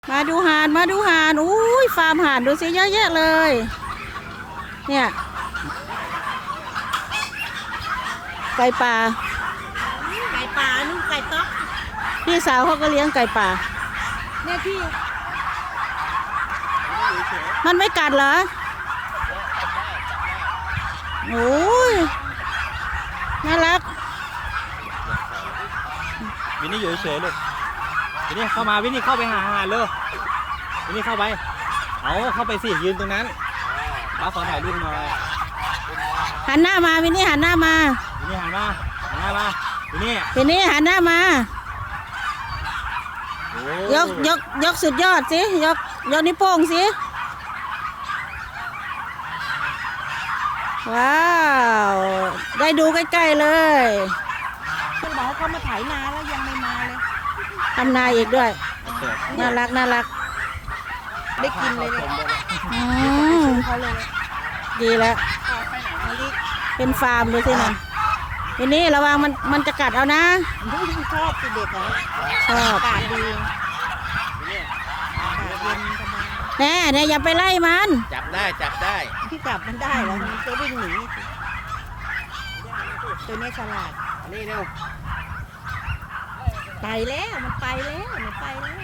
มาดูห่านอุ้ยฟาร์มห่านดูสิเยอะแยะเลยเนี่ยไก่ป่านู่นไก่ต๊อกพี่สาวเขาก็เลี้ยงไก่ป่าเนี่ยที่มันไม่กัดเหรอโอ้ยน่ารักวินนี่อยู่เฉยๆลูกวินนี่เข้ามาวินนี่เข้าไปหาอาหารเลยวินนี่เข้าไปเข้าไปสิยืนตรงนั้นป้าขอถ่ายรูปหน่อยหันหน้ามาวินนี่หันหน้ามาวินนี่หันมาวินนี่หันหน้ามา ยกสุดยอดสิยกนิ้วโป้งสิว้าวได้ดูใกล้ๆเลยคุณบอกเขามาถ่ายนาแล้วยังไม่มาเลยทำนาอีกด้วยน่ารักได้กินเลยเขาเลยดีแล้วเป็นฟาร์มดูสินะทีนี้ระวังมันจะกัดเอานะชอบเด็กเหรอชอบอากาศดีอากาศเย็นสบายแน่อย่าไปไล่มันจับได้ที่จับมันได้แล้วมันจะวิ่งหนีตัวนี้ฉลาดนี่เร็วไปแล้วมันไปแล้ว